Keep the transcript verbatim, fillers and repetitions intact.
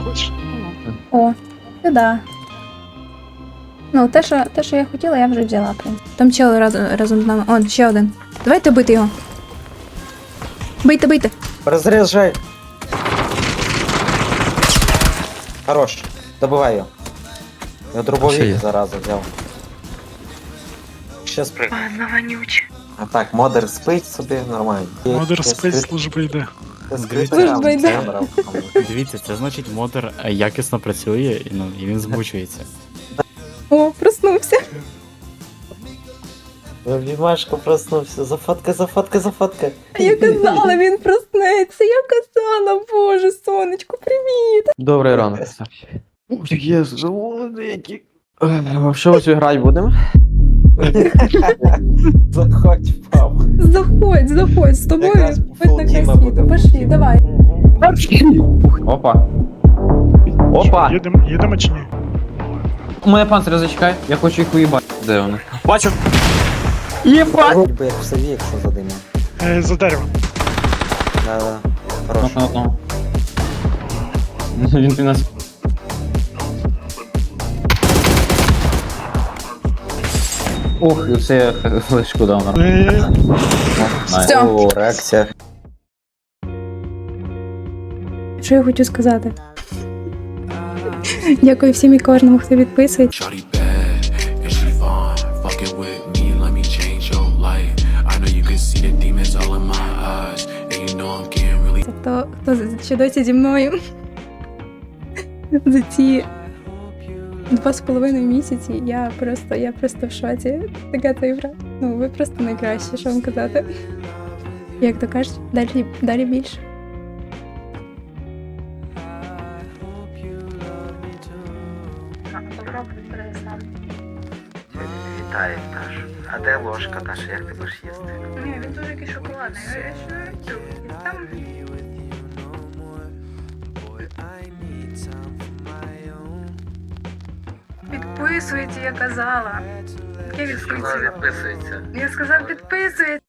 хочеш? О, сюди. Ну, те, що, те, що я хотіла, я вже взяла, в принципі. Там чел разом, разом з нами. Он, ще один. Давайте бити його. Бийте, бийте. Разряжай. Хорош. Добивай його. Я Ще дробовик є. зараза взяв. Ще спрыг. Ладно, вонюче. А так, модер спить собі нормально. Модер спить, служба йде. Служба йде. Дивіться, це значить модер е, якісно працює і, ну, і він змучується. О, проснувся. Вімашко проснувся. Зафотка, зафотка, зафотка. Я казала, він проснеться. Я казала, боже, сонечко, привіт. Добрий ранок. Ох, є які. Що ось грати будемо? Заходь, пап. Заходь, заходь, з тобою Якраз хоч на край фултіма світу. буде. Пошли, давай. Опа. Опа! Їдемо, їдемо чи ні? У мене панцир зачекай, я хочу їх уїбати. Де вони? Бачу! Єбать! Ніби як в сові, якщо задимав. Е, за деревом. Да-да. Хорош. Ну, ну, ну. Він ти нас. Ох, і все я флешку дав на. Е, Все. О, реакція. Що я хочу сказати? Дякую всім і кожному, хто підписується. Shawty bad and she fine. Fuck it with me, let me change your life. I know you can see the demons all in my eyes, and you know I'm getting really. Хто, хто ще досі зі мною за ці два з половиною місяці, я просто, я просто в шоці. Така цифра. Ну, ви просто найкращі, що вам казати. Як то кажуть, далі, далі більше. Вітаю, Таш. А де ложка, Таш? Як ти будеш їсти? Ні, він дуже якийсь шоколадний. Там... Підписуйте, я казала. Я відписую. Підписується. Я сказав, підписуйте.